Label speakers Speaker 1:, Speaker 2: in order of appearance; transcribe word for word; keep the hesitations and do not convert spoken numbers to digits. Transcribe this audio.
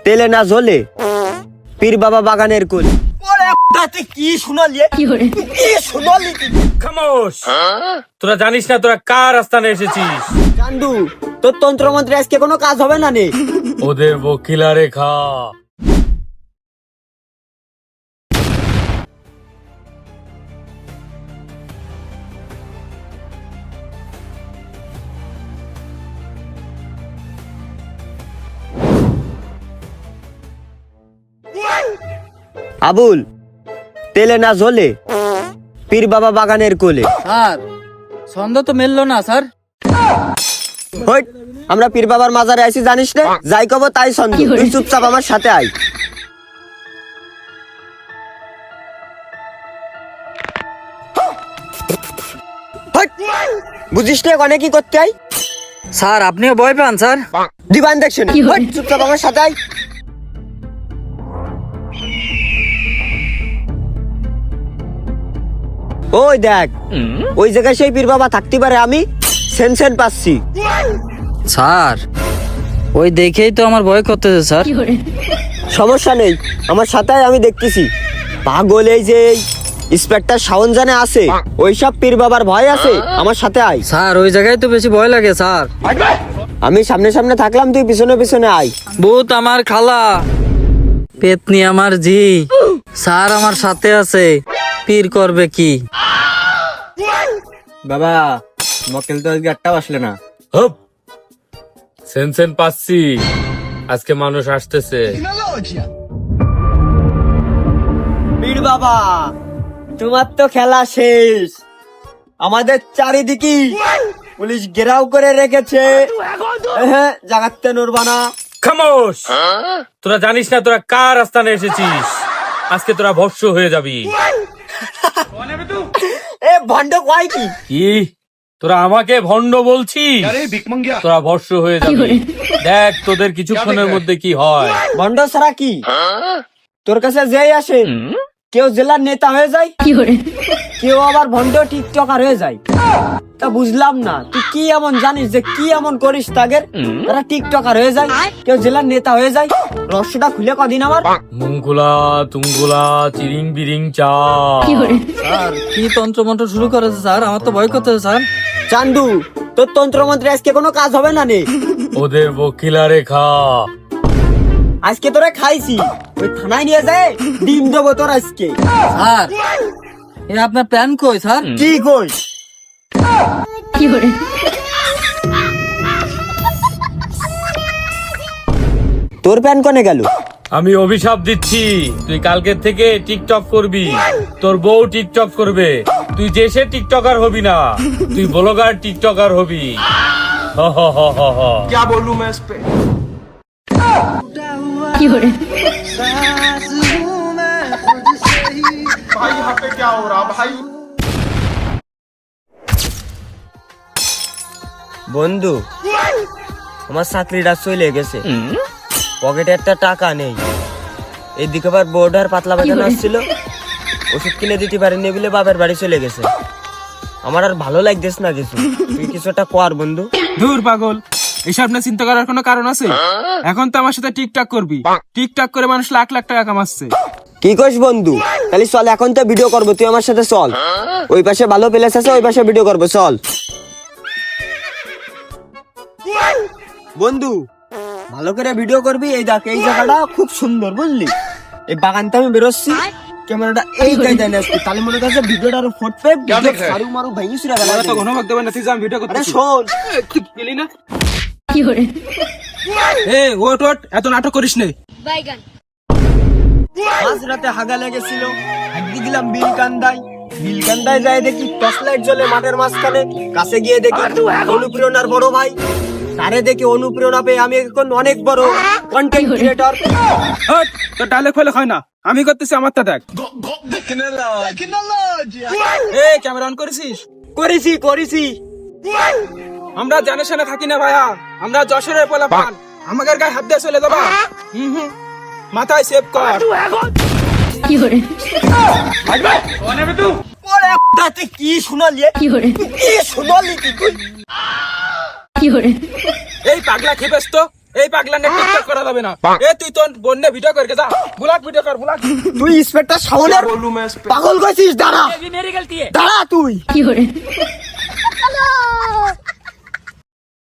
Speaker 1: তেলে না ঝোলে পীর বাবা বাগানের কোলে। কি শুনালি কি শুনালি
Speaker 2: খামোশ। তোরা জানিস না তোরা কার আস্তানে এসেছিস?
Speaker 1: চান্দু, তোর তন্ত্রমন্ত্রে আজকে কোনো কাজ হবে না নে।
Speaker 2: ওদের বকিলা রেখা।
Speaker 1: আবুল, তেলে না ঝোলে পীর বাবা বাগানের কোলে।
Speaker 3: স্যার ছন্দ তো মেললো না স্যার।
Speaker 1: হইট, আমরা পীর বাবার মাজারে আইছি জানিস না? যাই কব তাই ছন্দ। তুই চুপচাপ আমার সাথে আয়। হইট, বুঝিস না ওখানে কি করতে আই?
Speaker 3: স্যার আপনিও ভয় পান স্যার?
Speaker 1: দিবান দেখছেন। হইট, চুপচাপ আমার সাথে আয়। ওই দেখ, ওই জায়গায় সেই পীর বাবা থাকতে পারে, আমি সেন সেন পাচ্ছি।
Speaker 3: স্যার ওই দেখেই তো আমার ভয় করতেছে স্যার।
Speaker 1: সমস্যা নেই, আমার সাথে আয়, আমি দেখতেছি। পাগল এই যে ইন্সপেক্টর শাওন জানে আছে, ওইসব পীর বাবার ভয় আছে, আমার সাথে আয়।
Speaker 3: স্যার ওই জায়গায় তো বেশি ভয় লাগে স্যার।
Speaker 1: আমি সামনে সামনে থাকলাম, তুই পিছনে পিছনে আয়।
Speaker 3: ভূত আমার খালা, পেতনি আমার জি, স্যার আমার সাথে আছে, পীর করবে কি?
Speaker 1: বাবা, মক্কেল তো আজকে একটাও আসলে না।
Speaker 2: হপ, সেন সেন পাচ্ছি, আজকে মানুষ আসতেছে।
Speaker 1: পীর বাবা, তোমার তো খেলা শেষ। আমাদের চারিদিকে পুলিশ ঘেরাও করে রেখেছে, হ্যাঁ জাগাতে নড়বা না।
Speaker 2: খামোশ। তোরা জানিস না তোরা কার আস্তানে এসেছিস? আজকে তোরা ভস্য হয়ে যাবি।
Speaker 1: এ ভণ্ড কয় কি?
Speaker 2: কি তোরা আমাকে ভণ্ড বলছিস? তোরা ভস্য হয়ে যাবি। দেখ তোদের কিছুক্ষণের মধ্যে কি হয়।
Speaker 1: ভণ্ড ছাড়া কি? তোর কাছে যেই আসে কেউ জেলার নেতা হয়ে যায়, কেউ আবার ভণ্ড টিকটকার হয়ে যায়। তা বুঝলাম না, তুই কি এমন জানিস যে কি এমন করিস তাদের তারা টিকটকার হয়ে যায়, কেউ জেলার নেতা হয়ে যায়? রহস্যটা খুলে কদিন আমার।
Speaker 2: মুঙ্গুলা তুঙ্গুলা চিরিং বিরিং চা।
Speaker 3: স্যার কি তন্ত্র মন্ত্র শুরু করেছে স্যার? আমার তো ভয় করতেছে স্যার।
Speaker 1: চান্দু, তোর তন্ত্রমন্ত্রে আজকে কোনো কাজ হবে না নে।
Speaker 2: ওদের বকিলা রেখা।
Speaker 1: আজকে তোরা খাইছি, ওই থানায় নিয়ে যায় ডিম দেবো তোর আজকে।
Speaker 3: স্যার এ আপনার প্ল্যান কই স্যার?
Speaker 1: কি কই? তোর প্যান কনে গেল?
Speaker 2: আমি অভিশাপ দিচ্ছি, তুই কালকের থেকে টিকটক করবি, তোর বউ টিকটক করবে, তুই যে সে টিকটকার হবি না, তুই ব্লগার টিকটকার হবি। হ হ হ হ হ।
Speaker 4: क्या बोलूं मैं इस पे? भाई यहाँ पे क्या हो रहा भाई?
Speaker 1: বন্ধু, আমার চাকরিটা চলে গেছে, পকেটে একটা টাকা নেই। এদিকে আবার বোর্ডার পাতলা পায়খানা আসছিল, ওষুধ কিনে দিতে পারিনি বলে বাবার বাড়ি চলে গেছে। আমার আর ভালো লাগতেছ না কিছু, তুই কিছু একটা কর বন্ধু।
Speaker 5: দূর পাগল, এসব না চিন্তা করার কোনো কারণ আছে? এখন তো আমার সাথে টিকটক করবি, টিকটক করে মানুষ লাখ লাখ টাকা কামাচ্ছে।
Speaker 1: কি কইস বন্ধু? তাহলে চল, এখন তো ভিডিও করবো, তুই আমার সাথে চল। ওই পাশে ভালো প্লেস আছে, ওই পাশে ভিডিও করবো, চল। বন্ধু ভালো করে ভিডিও করবি। এই দেখ, এই জায়গাটা খুব সুন্দর, বুঝলি? এই বাগানটা আমি বেরোচ্ছি, ক্যামেরাটা এই জায়গায় নিয়ে আসছি, তাহলে মনে করছে ভিডিওটা আরো ফুটবে, মারু মারু ভেঙে চুরা গেল।
Speaker 5: তো ঘন ভাগ দেবেন না, তুই যা, আমি ভিডিও করতে।
Speaker 1: আরে শোন,
Speaker 5: গেলি না? এ ওট ওট, এত নাটক করিস নে।
Speaker 1: মাঝ রাতে হাগা লেগেছিল, হাগি দিলাম বিলকান্দায়। বিলকান্দায় যাই দেখি টর্চ লাইট জ্বলে মাঠের মাঝখানে। কাছে গিয়ে দেখি অনুপ্রেরণার বড় ভাই, তারে দেখি অনুপ্রেরণা পেয়ে আমি এখন অনেক বড় কন্টেন্ট ক্রিয়েটর।
Speaker 5: হট, তোর ডায়লগ ফেলে হয় না, আমি করতেছি আমারটা দেখ। এ ক্যামেরা অন করেছিস?
Speaker 1: করেছি করেছি
Speaker 5: আমরা জানে শুনে থাকি না ভাইয়া, আমরা যশোরের পোলা পান, আমাদের গায়ে হাত দিয়ে চলে যাবা। হুম হুম, মাথায় সেভ কর।
Speaker 1: ওরে দাতে কি শুনালি? কি শুনালি? কি কই?
Speaker 5: এই পাগলা খেপেস তো, এই পাগলা নে টিকটক করা যাবে না। এ তুই তোর বন্যে ভিডিও করে যা, বুলাক ভিডিও কর বুলাক।
Speaker 1: তুই ইন্সপেক্টর শাওনের
Speaker 4: बोलूं मैं इस पे
Speaker 1: পাগল কইছিস? দাঁড়া দাঁড়া তুই